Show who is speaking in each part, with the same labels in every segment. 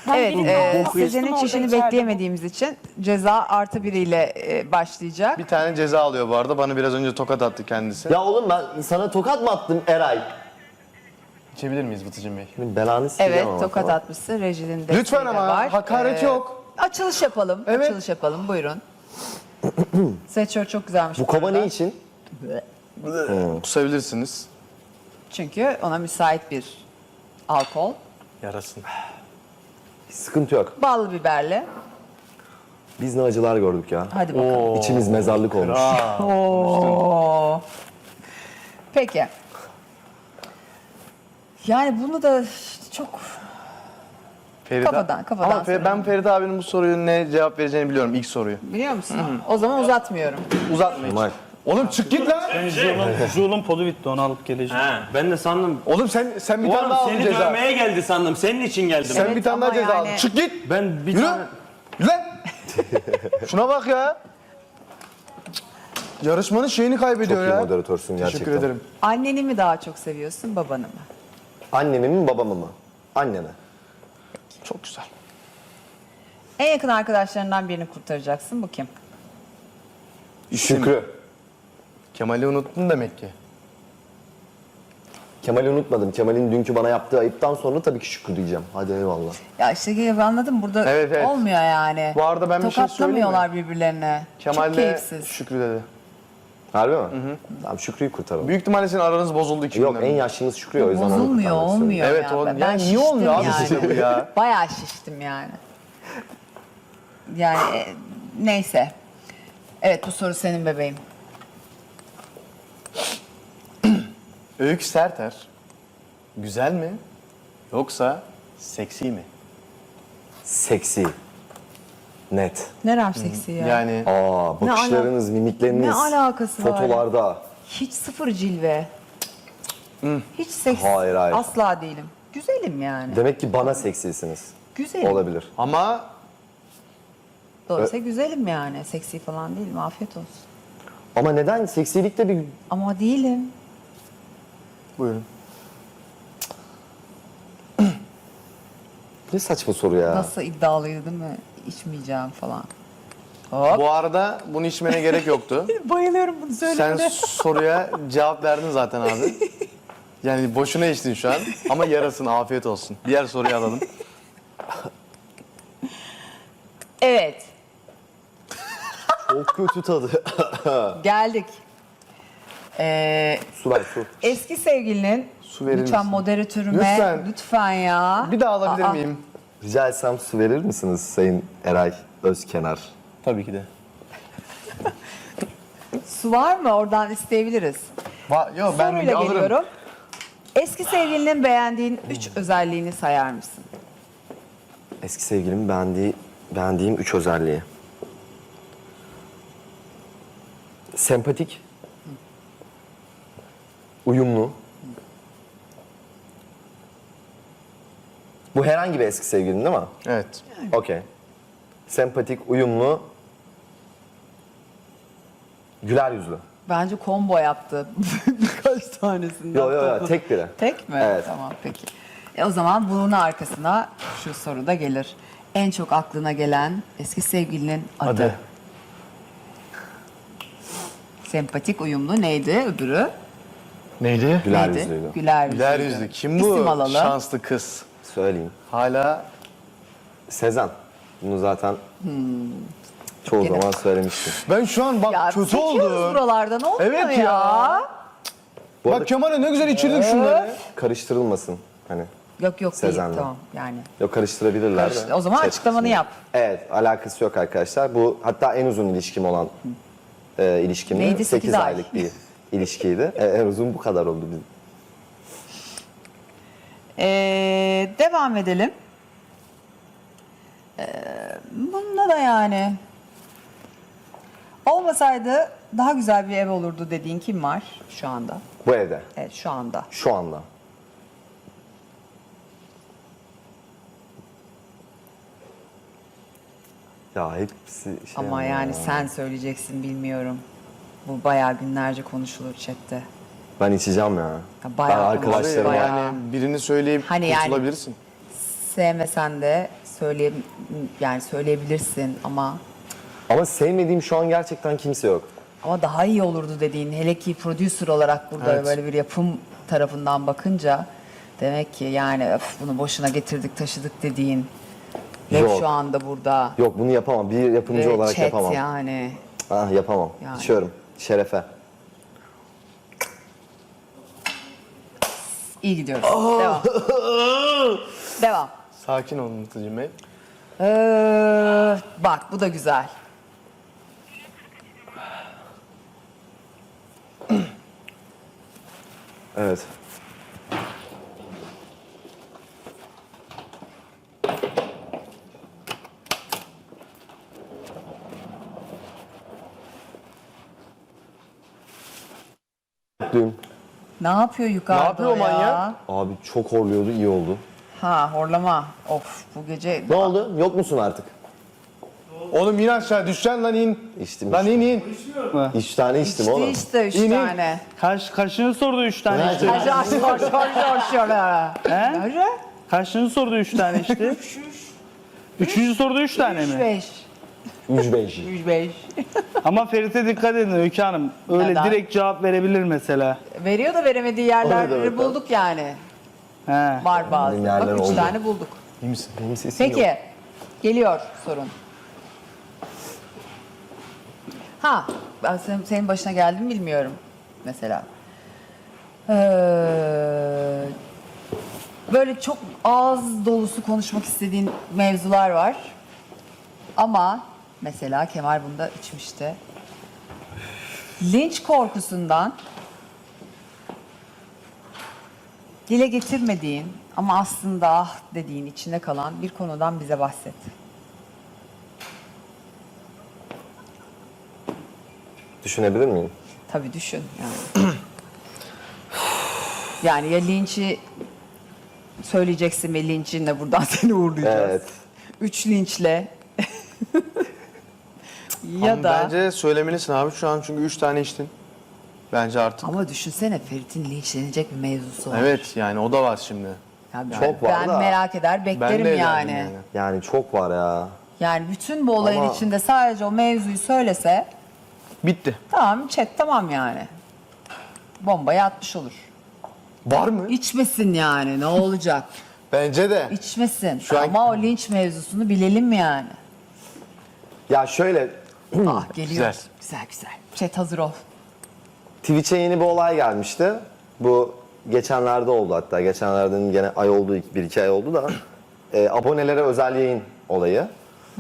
Speaker 1: Evet,
Speaker 2: Koku
Speaker 1: Sezen'in
Speaker 2: orada
Speaker 1: çişini
Speaker 2: içeride.
Speaker 1: bekleyemediğimiz için ceza artı biriyle başlayacak.
Speaker 3: Bir tane ceza alıyor bu arada. Bana biraz önce tokat attı kendisi.
Speaker 4: Ya oğlum ben sana tokat mı attım Eray?
Speaker 3: İçebilir miyiz Vıtıcım Bey?
Speaker 4: Şimdi belanı sileceğim
Speaker 1: Evet,
Speaker 4: ama,
Speaker 1: tokat
Speaker 4: tamam.
Speaker 1: atmışsın. Rejinin desteği
Speaker 3: Lütfen
Speaker 1: de
Speaker 3: ama,
Speaker 1: var.
Speaker 3: hakaret yok.
Speaker 1: Açılış yapalım.
Speaker 3: Evet.
Speaker 1: Açılış yapalım. Buyurun. Sweatshirt çok güzelmiş.
Speaker 4: Bu kova
Speaker 1: arada.
Speaker 4: ne için?
Speaker 3: Kusabilirsiniz.
Speaker 1: Çünkü ona müsait bir alkol.
Speaker 3: Yarasın.
Speaker 4: Hiç sıkıntı yok.
Speaker 1: Ballı biberli.
Speaker 4: Biz ne acılar gördük ya.
Speaker 1: Hadi bakalım.
Speaker 4: İçimiz mezarlık olmuş.
Speaker 1: Oo. Peki. Yani bunu da çok
Speaker 3: Feride.
Speaker 1: Kafadan
Speaker 3: Ama
Speaker 1: sorayım.
Speaker 3: ben Feride abinin bu soruyu ne cevap vereceğini biliyorum ilk soruyu.
Speaker 1: biliyor musun? O zaman uzatmıyorum.
Speaker 3: Uzatma hiç.
Speaker 4: Kemal.
Speaker 3: Oğlum çık git lan.
Speaker 5: Jul'un podu bitti, onu alıp geleceğim.
Speaker 6: He, ben de sandım.
Speaker 3: Oğlum sen bir tane
Speaker 6: Oğlum
Speaker 3: daha aldın
Speaker 6: seni
Speaker 3: ceza.
Speaker 6: dövmeye geldi sandım. Senin için geldim.
Speaker 3: Sen
Speaker 1: Evet,
Speaker 3: bir tane daha
Speaker 1: ama
Speaker 3: ceza
Speaker 1: yani-
Speaker 3: aldın. Çık git.
Speaker 6: Ben bir
Speaker 3: Yürü.
Speaker 6: tane...
Speaker 3: Yürü lan. Şuna bak ya. Yarışmanın şeyini
Speaker 4: Çok
Speaker 3: kaybediyor
Speaker 4: iyi
Speaker 3: ya.
Speaker 4: moderatörsün gerçekten.
Speaker 3: Teşekkür ederim.
Speaker 1: Anneni mi daha çok seviyorsun, babanı mı?
Speaker 4: Annemi mi babamı mı? Annene.
Speaker 3: Çok güzel.
Speaker 1: En yakın arkadaşlarından birini kurtaracaksın. Bu kim?
Speaker 4: Şükrü.
Speaker 3: Kemal'i unuttun demek ki.
Speaker 4: Kemal'i unutmadım. Kemal'in dünkü bana yaptığı ayıptan sonra tabii ki Şükrü diyeceğim. Hadi eyvallah.
Speaker 1: Ya işte anladım, burada
Speaker 3: Evet, evet.
Speaker 1: olmuyor yani.
Speaker 3: Bu arada ben bir şey
Speaker 1: Tokatlamıyorlar birbirlerine. Çok
Speaker 3: Kemal'le
Speaker 1: keyifsiz.
Speaker 3: Şükrü dedi.
Speaker 4: Harbi mi? Tamam Şükrü'yü kurtaralım.
Speaker 3: Büyük ihtimalle senin aranız bozuldu iki
Speaker 4: Yok
Speaker 3: günden
Speaker 4: en
Speaker 3: beri.
Speaker 4: yaşlımız Şükrü o yüzden onu
Speaker 1: Bozulmuyor,
Speaker 4: kurtarmak istiyorum.
Speaker 1: olmuyor
Speaker 3: Evet,
Speaker 1: ya.
Speaker 3: o-
Speaker 1: Ben
Speaker 3: yani niye
Speaker 1: şiştim
Speaker 3: olmuyor abi
Speaker 1: yani.
Speaker 3: size bu ya?
Speaker 1: Bayağı şiştim yani. Yani neyse. Evet, bu soru senin bebeğim.
Speaker 3: Öykü Serter. Güzel mi? Yoksa seksi mi?
Speaker 4: Seksi. Net.
Speaker 1: Nerem seksi ya?
Speaker 3: Yani
Speaker 4: Aa bakışlarınız, mimikleriniz.
Speaker 1: Ne alakası var?
Speaker 4: Fotolarda.
Speaker 1: Hiç sıfır cilve. Hiç seksi.
Speaker 4: Hayır, hayır.
Speaker 1: Asla değilim. Güzelim yani.
Speaker 4: Demek ki bana seksisiniz.
Speaker 1: Güzelim.
Speaker 4: Olabilir.
Speaker 3: ama
Speaker 1: Dolayısıyla güzelim yani. Seksi falan değilim. Afiyet olsun.
Speaker 4: Ama neden? Seksilikte bir...
Speaker 1: Ama değilim.
Speaker 3: buyurun.
Speaker 4: Ne saçma soru ya.
Speaker 1: Nasıl iddialıydı değil mi? İçmeyeceğim falan. Hop.
Speaker 3: Bu arada bunu içmene gerek yoktu.
Speaker 1: Bayılıyorum bunu
Speaker 3: Sen
Speaker 1: söylemene.
Speaker 3: soruya cevap verdin zaten abi. Yani boşuna içtin şu an. Ama yarasın, afiyet olsun. Diğer soruyu alalım.
Speaker 1: Evet.
Speaker 4: Çok kötü tadı.
Speaker 1: Geldik.
Speaker 4: Su ver su.
Speaker 1: Eski sevgilinin
Speaker 3: Su verir
Speaker 1: lütfen
Speaker 3: misin?
Speaker 1: moderatörüme
Speaker 3: Lütfen.
Speaker 1: lütfen ya.
Speaker 3: Bir daha alabilir
Speaker 1: Aa,
Speaker 3: miyim?
Speaker 4: Rica etsem su verir misiniz Sayın Eray Özkenar?
Speaker 3: Tabii ki de.
Speaker 1: Ah, su var mı? Oradan isteyebiliriz.
Speaker 3: Yok ben bir
Speaker 1: Soruyla
Speaker 3: alırım.
Speaker 1: geliyorum. Eski sevgilinin beğendiğin 3 özelliğini sayar mısın?
Speaker 4: Eski sevgilimin beğendiğim 3 özelliği. Sempatik. Uyumlu. Bu herhangi bir eski sevgilin değil mi?
Speaker 3: Evet.
Speaker 4: Okey. Sempatik, uyumlu. Güler yüzlü.
Speaker 1: Bence combo yaptı. Birkaç tanesini.
Speaker 4: Yo, tek biri.
Speaker 1: Tek mi?
Speaker 4: Evet.
Speaker 1: Tamam peki. O zaman bunun arkasına şu soru da gelir. En çok aklına gelen eski sevgilinin adı.
Speaker 3: Adı.
Speaker 1: Sempatik, uyumlu neydi öbürü?
Speaker 3: Neydi?
Speaker 4: Güler
Speaker 1: Neydi?
Speaker 4: yüzlüydü.
Speaker 1: Güler yüzlü.
Speaker 3: Güler yüzlü. Kim bu
Speaker 1: İsim alalım.
Speaker 3: şanslı kız?
Speaker 4: Söyleyeyim.
Speaker 3: Hala
Speaker 4: Sezen. Bunu zaten çoğu
Speaker 1: Gene.
Speaker 4: zaman söylemiştim.
Speaker 3: ben şu an bak
Speaker 1: Ya
Speaker 3: kötü
Speaker 1: seçiyoruz
Speaker 3: oldum.
Speaker 1: buralardan olmuyor
Speaker 3: Evet
Speaker 1: ya.
Speaker 3: ya.
Speaker 4: Bu arada
Speaker 3: Bak Kemal'e ne güzel içirdik şunları.
Speaker 4: karıştırılmasın. Hani
Speaker 1: Yok değil
Speaker 4: Sezen'le.
Speaker 1: tamam yani.
Speaker 4: yok karıştırabilirler de.
Speaker 1: O zaman
Speaker 4: Chat
Speaker 1: açıklamanı
Speaker 4: kısmı.
Speaker 1: yap.
Speaker 4: Evet, alakası yok arkadaşlar. Bu hatta en uzun ilişkim olan ilişkimdi.
Speaker 1: Neydi?
Speaker 4: 8
Speaker 1: 8 ay.
Speaker 4: aylık bir ilişkiydi. En uzun bu kadar oldu bizim.
Speaker 1: Devam edelim. Bunda da yani olmasaydı daha güzel bir ev olurdu dediğin kim var şu anda?
Speaker 4: Bu evde.
Speaker 1: Evet şu anda.
Speaker 4: Şu anda. Ya hepsi şey
Speaker 1: Ama yani sen söyleyeceksin bilmiyorum. Bu bayağı günlerce konuşulur chatte.
Speaker 4: Ben içeceğim ya.
Speaker 1: Ya
Speaker 4: Ben
Speaker 1: bayağı
Speaker 4: arkadaşlarıma
Speaker 1: bayağı.
Speaker 3: Yani birini söyleyip
Speaker 1: Hani yani-
Speaker 3: kurtulabilirsin.
Speaker 1: Sevmesen de yani söyleyebilirsin ama
Speaker 4: sevmediğim şu an gerçekten kimse yok.
Speaker 1: daha iyi olurdu dediğin, hele ki producer olarak burada
Speaker 3: Evet.
Speaker 1: böyle bir yapım tarafından bakınca demek ki yani öf, bunu boşuna getirdik taşıdık dediğin hep
Speaker 4: Yok.
Speaker 1: şu anda burada.
Speaker 4: Yok, bunu yapamam. Bir yapımcı
Speaker 1: Ve
Speaker 4: olarak
Speaker 1: chat
Speaker 4: yapamam.
Speaker 1: yani.
Speaker 4: Ah, yapamam.
Speaker 1: Yani.
Speaker 4: İçiyorum. Şerefe.
Speaker 1: İyi gidiyoruz. Devam. Devam.
Speaker 3: Sakin olun Mutlucuğum Bey.
Speaker 1: Bak bu da güzel.
Speaker 4: Evet. Mutluyum.
Speaker 1: Ne yapıyor yukarıda
Speaker 3: Ne yapıyor o
Speaker 1: ya?
Speaker 3: manyak?
Speaker 4: Abi çok horluyordu, iyi oldu.
Speaker 1: Ha horlama. Of bu gece...
Speaker 4: Ne oldu? Yok musun artık?
Speaker 3: Oğlum in aşağı düşeceksin lan in.
Speaker 4: İçtim.
Speaker 3: Lan in.
Speaker 4: 3 tane içtim
Speaker 1: İçti
Speaker 4: oğlum.
Speaker 1: işte 3
Speaker 3: İyi, iyi.
Speaker 1: tane.
Speaker 5: Kaçını sordu 3 tane
Speaker 4: Nerede?
Speaker 5: içti?
Speaker 1: He?
Speaker 5: Kaçını sordu 3 tane içti? Üçüncü soruda 3 tane mi?
Speaker 1: 5.
Speaker 4: 3-5.
Speaker 1: 5.
Speaker 5: Ama Ferit'e dikkat edin Öykü Hanım. Öyle
Speaker 1: Neden?
Speaker 5: direkt cevap verebilir mesela.
Speaker 1: Veriyor da veremediği
Speaker 4: O ne
Speaker 1: yerleri
Speaker 4: demek lan?
Speaker 1: bulduk yani.
Speaker 5: He.
Speaker 1: Var bazı.
Speaker 4: Benim yerler
Speaker 1: Bak 3
Speaker 4: oldu.
Speaker 1: tane bulduk.
Speaker 3: İyi misin?
Speaker 4: Benim sesim yok.
Speaker 1: Peki. Geliyor sorun. Ha, ben senin başına geldi mi bilmiyorum mesela. Böyle çok ağız dolusu konuşmak istediğin mevzular var. Ama mesela Kemal bunda içmişti. Linç korkusundan dile getirmediğin ama aslında ah dediğin içinde kalan bir konudan bize bahset.
Speaker 4: Düşünebilir miyim?
Speaker 1: Tabii düşün yani. Yani ya linçi söyleyeceksin ve linçinle buradan seni uğurlayacağız.
Speaker 4: Evet.
Speaker 1: 3 linçle. Ya
Speaker 3: Ama
Speaker 1: da
Speaker 3: bence söylemelisin abi şu an çünkü 3 tane içtin. Bence artık.
Speaker 1: ama düşünsene Ferit'in linçlenecek bir mevzusu var.
Speaker 3: Evet yani o da var şimdi.
Speaker 1: Yani
Speaker 4: Çok var
Speaker 1: ben
Speaker 4: da.
Speaker 1: merak eder
Speaker 3: Ben
Speaker 1: beklerim
Speaker 3: de
Speaker 1: yani.
Speaker 3: yani.
Speaker 4: Yani çok var ya.
Speaker 1: Yani bütün bu olayın
Speaker 4: Ama-
Speaker 1: içinde sadece o mevzuyu söylese
Speaker 3: Bitti.
Speaker 1: tamam chat tamam yani. Bombayı atmış olur.
Speaker 3: Var mı?
Speaker 1: İçmesin yani ne olacak?
Speaker 3: Bence de.
Speaker 1: İçmesin.
Speaker 3: Şu an-
Speaker 1: Ama o linç mevzusunu bilelim yani.
Speaker 4: Ya şöyle,
Speaker 1: Ah geliyor.
Speaker 3: Güzel.
Speaker 1: Güzel güzel. Chat hazır ol.
Speaker 4: Twitch'e yeni bir olay gelmişti. Bu geçenlerde oldu hatta. Geçenlerden gene ay oldu, 1-2 ay oldu da. Abonelere özel yayın olayı.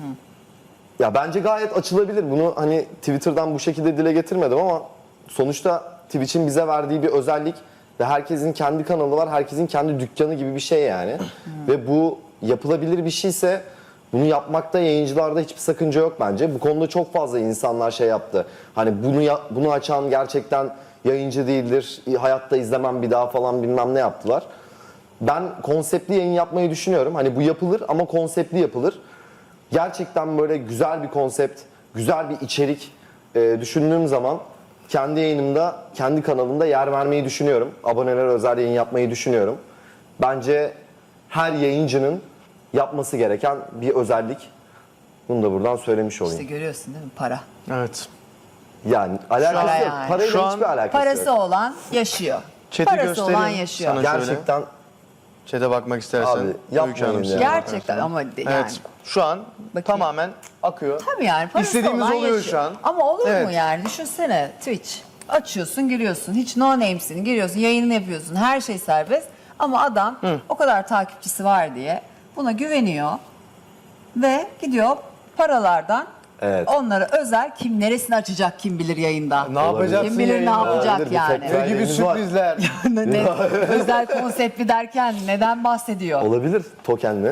Speaker 4: Ya bence gayet açılabilir. Bunu hani Twitter'dan bu şekilde dile getirmedim ama sonuçta Twitch'in bize verdiği bir özellik ve herkesin kendi kanalı var, herkesin kendi dükkanı gibi bir şey yani. Ve bu yapılabilir bir şeyse bunu yapmakta yayıncılarda hiçbir sakınca yok bence. Bu konuda çok fazla insanlar şey yaptı. Hani bunu açan gerçekten yayıncı değildir, hayatta izlemem bir daha falan bilmem ne yaptılar. Ben konseptli yayın yapmayı düşünüyorum. Hani bu yapılır ama konseptli yapılır. Gerçekten böyle güzel bir konsept, güzel bir içerik düşündüğüm zaman kendi yayınımda, kendi kanalımda yer vermeyi düşünüyorum. Abonelere özel yayın yapmayı düşünüyorum. Bence her yayıncının yapması gereken bir özellik. Bunu da buradan söylemiş olayım.
Speaker 1: İşte görüyorsun değil mi? Para.
Speaker 3: Evet.
Speaker 4: Yani alakası
Speaker 1: Para
Speaker 4: yok.
Speaker 1: yani.
Speaker 4: Parayla
Speaker 3: Şu an
Speaker 4: hiçbir alakası
Speaker 1: Parası
Speaker 4: yok.
Speaker 1: olan yaşıyor.
Speaker 3: Chat'i
Speaker 1: Parası
Speaker 3: göstereyim
Speaker 1: olan yaşıyor.
Speaker 3: sana. Şöyle.
Speaker 4: Gerçekten
Speaker 3: Chat'e bakmak istersen.
Speaker 4: Abi, yapmayın
Speaker 3: Öykü Hanım
Speaker 4: ya.
Speaker 3: size
Speaker 1: Gerçekten
Speaker 3: bakarsan.
Speaker 1: ama yani.
Speaker 3: Evet. Şu an
Speaker 1: Bakayım.
Speaker 3: tamamen akıyor.
Speaker 1: Tabii yani parası
Speaker 3: İstediğimiz
Speaker 1: olan
Speaker 3: oluyor
Speaker 1: yaşıyor.
Speaker 3: şu an.
Speaker 1: Ama olur mu
Speaker 3: Evet.
Speaker 1: yani? Düşünsene Twitch. Açıyorsun, giriyorsun. Hiç no name'sin. Giriyorsun, yayını yapıyorsun. Her şey serbest. Ama adam o kadar takipçisi var diye buna güveniyor. Ve gidiyor paralardan
Speaker 4: Evet.
Speaker 1: onlara özel kim neresini açacak kim bilir yayında.
Speaker 3: Ne yapacaksın
Speaker 1: Kim bilir ne
Speaker 3: yayında?
Speaker 1: yapacak
Speaker 4: Olabilir, bir
Speaker 1: yani.
Speaker 4: tekrar-
Speaker 3: Ne gibi
Speaker 4: Haberiniz var.
Speaker 3: sürprizler.
Speaker 1: Özel konseptli derken neden bahsediyor?
Speaker 4: olabilir tokenli.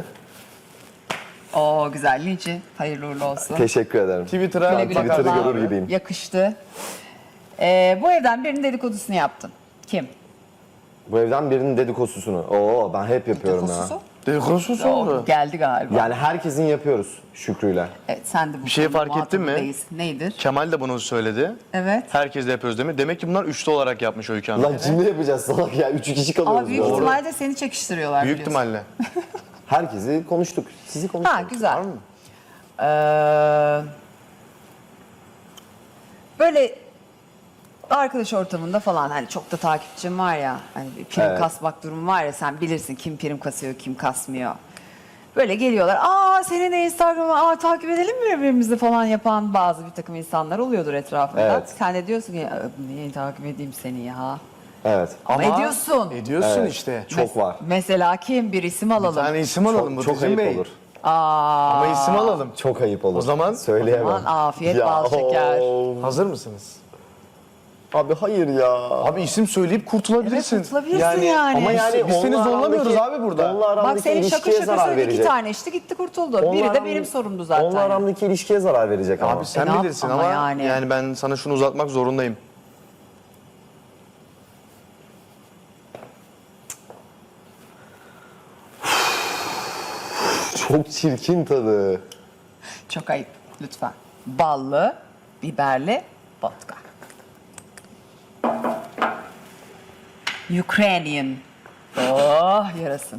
Speaker 1: Oo güzel linçi. Hayırlı uğurlu olsun.
Speaker 4: Teşekkür ederim.
Speaker 3: Twitter'a
Speaker 1: Güle güle
Speaker 4: Twitter'ı
Speaker 1: kullan.
Speaker 4: görür gibiyim.
Speaker 1: Yakıştı. Bu evden birinin dedikodusunu yaptın. Kim?
Speaker 4: Bu evden birinin dedikodusunu. Oo, ben hep yapıyorum ya.
Speaker 1: Dedikodusu?
Speaker 3: Dedikodusu oldu.
Speaker 1: Geldi galiba.
Speaker 4: Yani herkesin yapıyoruz Şükrü'yle.
Speaker 1: Evet, sen de bu
Speaker 3: Bir şeyi
Speaker 1: konuda
Speaker 3: fark ettin mi?
Speaker 1: muhatabı değilsin. Nedir?
Speaker 3: Kemal de bunu söyledi.
Speaker 1: Evet.
Speaker 3: Herkes de yapıyoruz değil mi? Demek ki bunlar üçlü olarak yapmış Öykü Hanım.
Speaker 4: Lan cimri yapacağız salak ya. 3 kişi kalıyoruz.
Speaker 1: Ama büyük
Speaker 4: ya.
Speaker 1: ihtimalle seni çekiştiriyorlar
Speaker 3: Büyük
Speaker 1: biliyorsun.
Speaker 3: ihtimalle.
Speaker 4: Herkesi konuştuk. Sizi konuştuk.
Speaker 1: Ha güzel.
Speaker 3: Var mı?
Speaker 1: Böyle arkadaş ortamında falan hani çok da takipçim var ya, hani bir prim
Speaker 4: Evet.
Speaker 1: kasmak durumu var ya, sen bilirsin kim prim kasıyor kim kasmıyor. Böyle geliyorlar, senin de Instagram'ı takip edelim mi birbirimizi falan yapan bazı bir takım insanlar oluyordur etrafında.
Speaker 4: Evet.
Speaker 1: Sen de diyorsun ki niye takip edeyim seni ya?
Speaker 4: Evet.
Speaker 1: Ama ediyorsun.
Speaker 3: Ediyorsun
Speaker 4: Evet.
Speaker 3: işte.
Speaker 4: Çok var.
Speaker 1: Mesela kim? Bir isim
Speaker 3: Bir
Speaker 1: alalım.
Speaker 3: tane isim alalım
Speaker 4: Çok, çok
Speaker 3: Bıtıcın
Speaker 4: ayıp
Speaker 3: Bey.
Speaker 4: olur.
Speaker 3: Ama isim alalım.
Speaker 4: Çok ayıp olur.
Speaker 3: O zaman-
Speaker 4: söyleyemem.
Speaker 1: Aman afiyet bal şeker.
Speaker 3: Hazır mısınız?
Speaker 4: Abi hayır ya.
Speaker 3: Abi isim söyleyip kurtulabilirsin.
Speaker 1: Evet, kurtulabilirsin yani.
Speaker 4: Ama yani
Speaker 3: Biz seni
Speaker 4: onunla
Speaker 3: zorlamıyoruz
Speaker 4: aramdaki-
Speaker 3: abi burada.
Speaker 4: Onunla aramdaki
Speaker 1: Bak senin şakır
Speaker 4: ilişkiye
Speaker 1: şakır
Speaker 4: zarar
Speaker 1: söyledi, iki
Speaker 4: verecek.
Speaker 1: tane içti gitti kurtuldu.
Speaker 4: Onunla
Speaker 1: Biri de
Speaker 4: aramdaki-
Speaker 1: benim sorumdu zaten.
Speaker 4: Onunla aramdaki ilişkiye zarar verecek ama.
Speaker 3: Abi sen
Speaker 1: ne yap-
Speaker 3: bilirsin
Speaker 1: ama
Speaker 3: ama
Speaker 1: yani.
Speaker 3: yani ben sana şunu uzatmak zorundayım.
Speaker 4: Çok çirkin tadı.
Speaker 1: Çok ayıp lütfen. Ballı, biberli vodka. Ukrainian. Oh yarasın.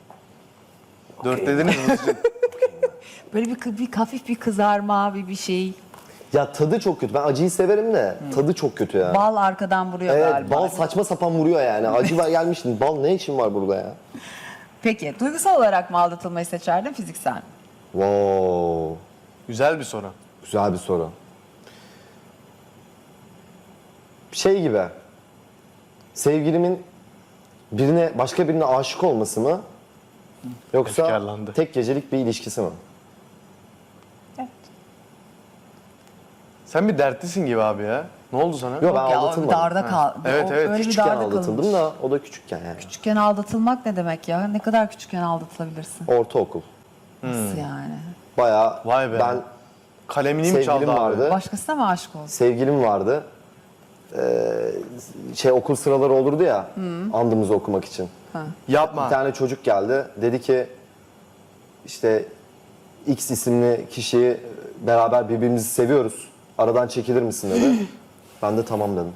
Speaker 3: 4 dediniz mi?
Speaker 1: Böyle bir hafif bir kızarma, bir şey.
Speaker 4: Ya tadı çok kötü. Ben acıyı severim de tadı çok kötü ya.
Speaker 1: Bal arkadan vuruyor
Speaker 4: Evet,
Speaker 1: galiba.
Speaker 4: bal saçma sapan vuruyor yani. Acı var gelmiştin. Bal ne işin var burada ya?
Speaker 1: Peki duygusal olarak mı aldatılmayı seçerdin, fiziksel mi?
Speaker 4: Wow.
Speaker 3: Güzel bir soru.
Speaker 4: Güzel bir soru. Şey gibi. Sevgilimin başka birine aşık olması mı? Yoksa
Speaker 3: Efkarlandı.
Speaker 4: tek gecelik bir ilişkisi mi?
Speaker 1: Evet.
Speaker 3: Sen bir dertlisin gibi abi ya. Ne oldu sana?
Speaker 4: Yok ben
Speaker 1: Ya o bir
Speaker 4: aldatılmadım.
Speaker 1: darda kal.
Speaker 3: Evet,
Speaker 1: o
Speaker 3: evet.
Speaker 1: Öyle bir
Speaker 4: Küçükken
Speaker 1: darda
Speaker 4: aldatıldım
Speaker 1: kalınmış.
Speaker 4: da o da küçükken yani.
Speaker 1: Küçükken aldatılmak ne demek ya? Ne kadar küçükken aldatılabilirsin?
Speaker 4: Ortaokul.
Speaker 1: Nasıl yani?
Speaker 4: Bayağı
Speaker 3: Vay be.
Speaker 4: ben
Speaker 3: Kalemini mi çaldı
Speaker 4: sevgilim
Speaker 3: abi?
Speaker 4: vardı.
Speaker 1: Başkasına mı aşık oldun?
Speaker 4: Sevgilim vardı. Okul sıraları olurdu ya andımızı okumak için.
Speaker 3: Yapma.
Speaker 4: Bir tane çocuk geldi. Dedi ki işte X isimli kişiyi beraber birbirimizi seviyoruz. Aradan çekilir misin dedi. Ben de tamam dedim.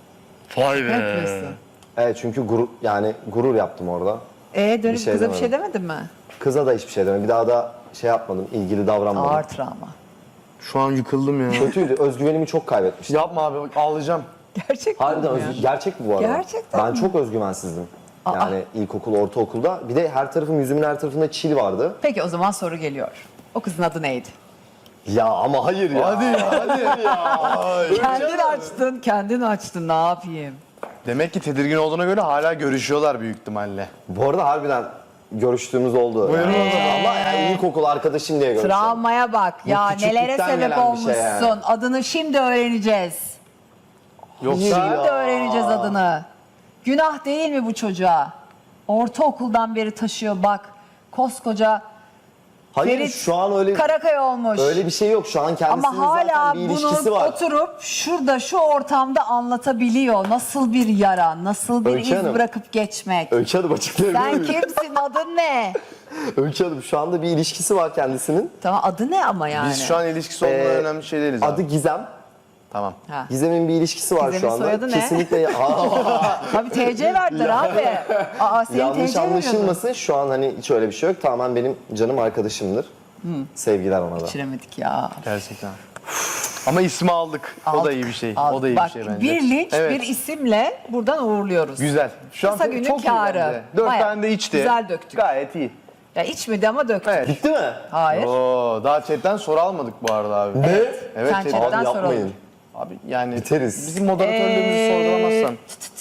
Speaker 3: Vay
Speaker 1: Ne yapıyorsun?
Speaker 4: Evet çünkü gurur yaptım orada.
Speaker 1: Dönüp
Speaker 4: Bir şey
Speaker 1: kıza bir
Speaker 4: demedim.
Speaker 1: şey demedin mi?
Speaker 4: Kıza da hiçbir şey demedim. Bir daha da şey yapmadım. İlgili davranmadım.
Speaker 1: Ağır travma.
Speaker 3: Şu an yıkıldım ya.
Speaker 4: Kötüydü. Özgüvenimi çok kaybetmiştim.
Speaker 3: Yapma abi bak ağlayacağım.
Speaker 1: Gerçekten
Speaker 4: Harbiden
Speaker 1: mi ya?
Speaker 4: gerçek mi bu arada?
Speaker 1: Gerçekten
Speaker 4: Ben
Speaker 1: mi?
Speaker 4: çok özgüvensizdim. Yani ilkokul, ortaokulda. Bir de yüzümün her tarafında çil vardı.
Speaker 1: Peki o zaman soru geliyor. O kızın adı neydi?
Speaker 4: Ya ama hayır ya.
Speaker 3: Hadi ya hadi.
Speaker 1: Kendin açtın ne yapayım?
Speaker 3: Demek ki tedirgin olduğuna göre hala görüşüyorlar büyük ihtimalle.
Speaker 4: Bu arada harbiden görüştüğümüz oldu.
Speaker 3: Buyurun
Speaker 4: Yani.
Speaker 3: o zaman.
Speaker 4: Ama yani ilkokul arkadaşım diye görüştüm.
Speaker 1: Travmaya bak ya, nelere
Speaker 4: küçüklükten
Speaker 1: sebep
Speaker 4: gelen bir
Speaker 1: olmuşsun.
Speaker 4: şey yani.
Speaker 1: Adını şimdi öğreneceğiz.
Speaker 3: Yoksa
Speaker 1: Şimdi öğreneceğiz adını. Günah değil mi bu çocuğa? Ortaokuldan beri taşıyor bak. Koskoca
Speaker 4: Hayır
Speaker 1: Ferit
Speaker 4: şu an öyle
Speaker 1: Karakaya olmuş.
Speaker 4: öyle bir şey yok. Şu an kendisinin
Speaker 1: Ama hala
Speaker 4: zaten bir ilişkisi
Speaker 1: bunu
Speaker 4: var.
Speaker 1: oturup şurada şu ortamda anlatabiliyor. Nasıl bir yara, nasıl bir
Speaker 4: Öykü
Speaker 1: iz
Speaker 4: Hanım.
Speaker 1: bırakıp geçmek.
Speaker 4: Öykü Hanım açıklayabilir
Speaker 1: Sen
Speaker 4: miyim?
Speaker 1: kimsin, adın ne?
Speaker 4: Öykü Hanım şu anda bir ilişkisi var kendisinin.
Speaker 1: Tamam, adı ne ama yani?
Speaker 3: biz şu an ilişkisi olduğundan önemli şey değiliz
Speaker 4: Adı
Speaker 3: abi.
Speaker 4: Gizem.
Speaker 3: Tamam.
Speaker 1: Ha.
Speaker 4: Gizem'in bir ilişkisi var
Speaker 1: Gizem'in
Speaker 4: şu anda.
Speaker 1: soyadı ne?
Speaker 4: Kesinlikle
Speaker 1: Tabii TC verdiler abi. Senin
Speaker 4: yanlış
Speaker 1: TC veriyordun.
Speaker 4: anlaşılmasın. Şu an hani hiç öyle bir şey yok. Tamamen benim canım arkadaşımdır. Sevgiler ona da.
Speaker 1: Geçiremedik ya.
Speaker 3: Gerçekten. Ama ismi aldık. O da iyi bir şey.
Speaker 1: Aldık.
Speaker 3: O da iyi
Speaker 1: Bak,
Speaker 3: bir şey bence.
Speaker 1: bir linç
Speaker 3: Evet.
Speaker 1: bir isimle buradan uğurluyoruz.
Speaker 3: Güzel. Şu an
Speaker 1: Kısa günün
Speaker 3: çok iyi
Speaker 1: kârı.
Speaker 3: bence. 4
Speaker 1: Bayağı
Speaker 3: tane de içti.
Speaker 1: güzel döktük.
Speaker 3: Gayet iyi.
Speaker 1: Ya içmedi ama döktük.
Speaker 3: Evet.
Speaker 4: Bitti mi?
Speaker 1: Hayır.
Speaker 3: Oo, daha chatten soru almadık bu arada abi.
Speaker 4: Ne?
Speaker 3: Evet,
Speaker 1: Sen
Speaker 3: chatten-
Speaker 1: chatten
Speaker 4: Abi
Speaker 1: soralım.
Speaker 4: yapmayın.
Speaker 3: Abi yani
Speaker 4: Biteriz.
Speaker 3: bizim moderatörlüğümüzü sorgulamazsan.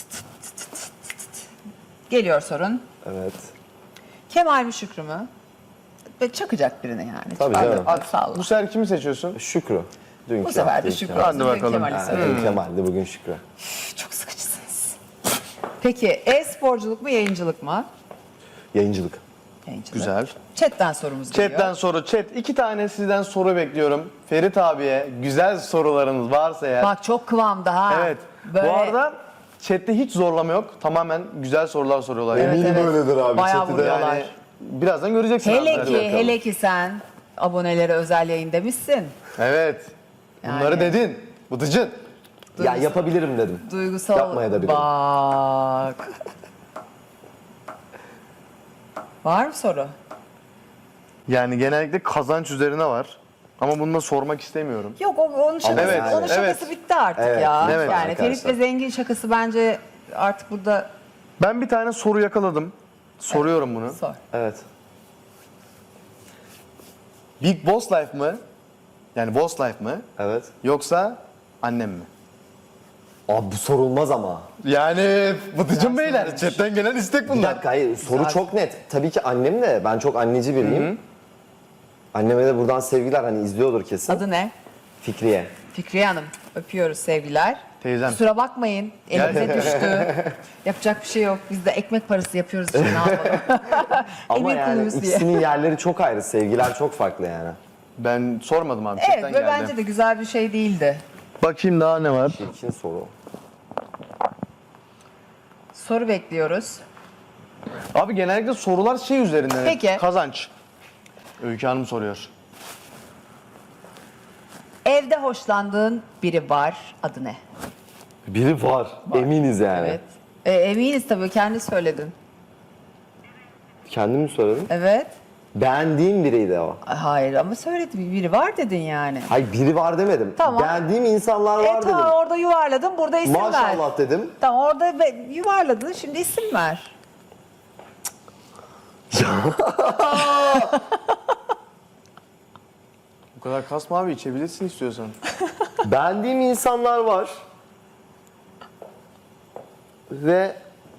Speaker 1: Geliyor sorun.
Speaker 4: Evet.
Speaker 1: Kemal mi Şükrü mü? Ve çakacak birine yani.
Speaker 4: Tabii
Speaker 1: Hadi,
Speaker 4: canım.
Speaker 1: hadi salla.
Speaker 3: Bu sefer kimi seçiyorsun?
Speaker 4: şükrü. Dünkü
Speaker 1: Bu sefer de
Speaker 4: yaptığı
Speaker 1: Şükrü
Speaker 4: Kemal.
Speaker 3: Hadi
Speaker 1: olsun.
Speaker 3: bakalım.
Speaker 1: Kemal'i
Speaker 4: Ha,
Speaker 1: severim.
Speaker 4: dün Kemal'di bugün Şükrü.
Speaker 1: Çok sıkıcısınız. Peki e-sporculuk mu yayıncılık mı?
Speaker 4: Yayıncılık.
Speaker 1: Yayıncılık.
Speaker 3: Güzel.
Speaker 1: Chatten sorumuz geliyor.
Speaker 3: Chatten soru. Chat 2 tane sizden soru bekliyorum. Ferit abiye güzel sorularınız varsa eğer.
Speaker 1: Bak çok kıvamda ha.
Speaker 3: Evet.
Speaker 1: Böyle...
Speaker 3: Bu arada chatte hiç zorlama yok. Tamamen güzel sorular soruyorlar.
Speaker 1: Evet,
Speaker 3: Yani.
Speaker 1: evet.
Speaker 4: öyledir abi.
Speaker 1: Bayağı
Speaker 4: Chat'i de
Speaker 1: vuruyorlar.
Speaker 3: Yani birazdan göreceksin abi. Hadi bakalım.
Speaker 1: Hele ki sen abonelere özel yayın demişsin.
Speaker 3: Evet. Bunları
Speaker 1: Yani.
Speaker 3: dedin. Bıdıcın.
Speaker 4: Ya yapabilirim dedim.
Speaker 1: Duygusal.
Speaker 4: Yapmaya da bilirim.
Speaker 1: Bak. Var mı soru?
Speaker 3: Yani genellikle kazanç üzerine var. Ama bunu da sormak istemiyorum.
Speaker 1: Yok onun şakası,
Speaker 3: evet,
Speaker 1: onun şakası
Speaker 3: evet.
Speaker 1: bitti artık
Speaker 4: Evet,
Speaker 1: ya.
Speaker 3: evet
Speaker 1: Yani Ferit
Speaker 4: arkadaşlar.
Speaker 1: ve Zengin şakası bence artık burada
Speaker 3: Ben bir tane soru yakaladım. Soruyorum bunu.
Speaker 1: sor.
Speaker 4: Evet.
Speaker 3: Big Boss Life mı? Yani Boss Life mı?
Speaker 4: Evet.
Speaker 3: Yoksa annem mi?
Speaker 4: Abi bu sorulmaz ama.
Speaker 3: Yani Bıtıcım Beyler,
Speaker 1: soruymuş.
Speaker 3: chatten gelen istek
Speaker 4: Bir
Speaker 3: bunlar.
Speaker 4: dakika hayır soru
Speaker 1: Güzel.
Speaker 4: çok net. Tabii ki annem de ben çok anneci biriyim. Anneme de buradan sevgiler hani izliyordur kesin.
Speaker 1: Adı ne?
Speaker 4: Fikriye.
Speaker 1: Fikriye Hanım. Öpüyoruz sevgiler.
Speaker 3: Teyzem.
Speaker 1: Kusura bakmayın. Elimize düştü. Yapacak bir şey yok. Biz de ekmek parası yapıyoruz işte ne yapalım.
Speaker 4: Ama
Speaker 1: Emir
Speaker 4: yani
Speaker 1: kuluyuz diye.
Speaker 4: ikisinin yerleri çok ayrı. Sevgiler çok farklı yani.
Speaker 3: Ben sormadım abi,
Speaker 1: Evet
Speaker 3: chatten
Speaker 1: ve
Speaker 3: geldi.
Speaker 1: bence de güzel bir şey değildi.
Speaker 3: Bakayım daha ne var?
Speaker 4: Çirkin soru.
Speaker 1: Soru bekliyoruz.
Speaker 3: Abi genellikle sorular şey üzerinden. hep,
Speaker 1: Peki.
Speaker 3: Kazanç. Öykü Hanım soruyor.
Speaker 1: Evde hoşlandığın biri var. Adı ne?
Speaker 4: Biri var. Eminiz yani.
Speaker 1: Evet. Eminiz tabii kendi söyledin.
Speaker 4: Kendim mi söyledim?
Speaker 1: Evet.
Speaker 4: Beğendiğim biriydi o.
Speaker 1: Hayır ama söyledim biri var dedin yani.
Speaker 4: Hayır biri var demedim.
Speaker 1: Tamam.
Speaker 4: Beğendiğim insanlar var dedim.
Speaker 1: Tamam orada yuvarladın burada isim ver.
Speaker 4: Maşallah dedim.
Speaker 1: Tamam orada yuvarladın şimdi isim ver.
Speaker 3: Bu kadar kasma abi, içebilirsin istiyorsan.
Speaker 4: Beğendiğim insanlar var. Ve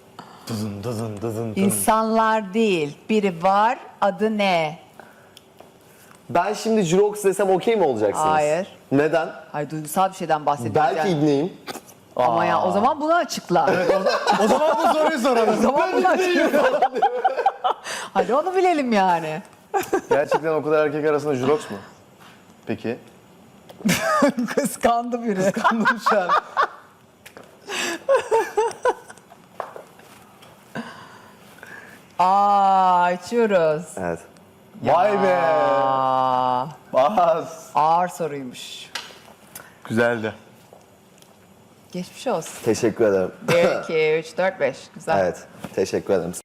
Speaker 1: İnsanlar değil biri var adı ne?
Speaker 4: ben şimdi Jirox desem okey mi olacaksınız?
Speaker 1: Hayır.
Speaker 4: Neden?
Speaker 1: Hayır duygusal bir şeyden bahsediyoruz
Speaker 4: Belki
Speaker 1: yani.
Speaker 4: ibneyim.
Speaker 1: Ama ya o zaman bunu açıkla.
Speaker 3: O zaman bu soruyu soralım.
Speaker 1: O zaman bunu açıkla. Hadi onu bilelim yani.
Speaker 3: Gerçekten o kadar erkek arasında Jurox mu? Peki.
Speaker 1: Kıskandı biri.
Speaker 3: Anladım şu an.
Speaker 1: Açıyoruz.
Speaker 4: Evet.
Speaker 3: Vay be.
Speaker 1: Aa,
Speaker 3: Bas.
Speaker 1: ağır soruymuş.
Speaker 3: Güzeldi.
Speaker 1: Geçmiş olsun.
Speaker 4: Teşekkür ederim.
Speaker 1: 1, 2, 3, 4, 5. Güzel.
Speaker 4: Evet. Teşekkür ederim.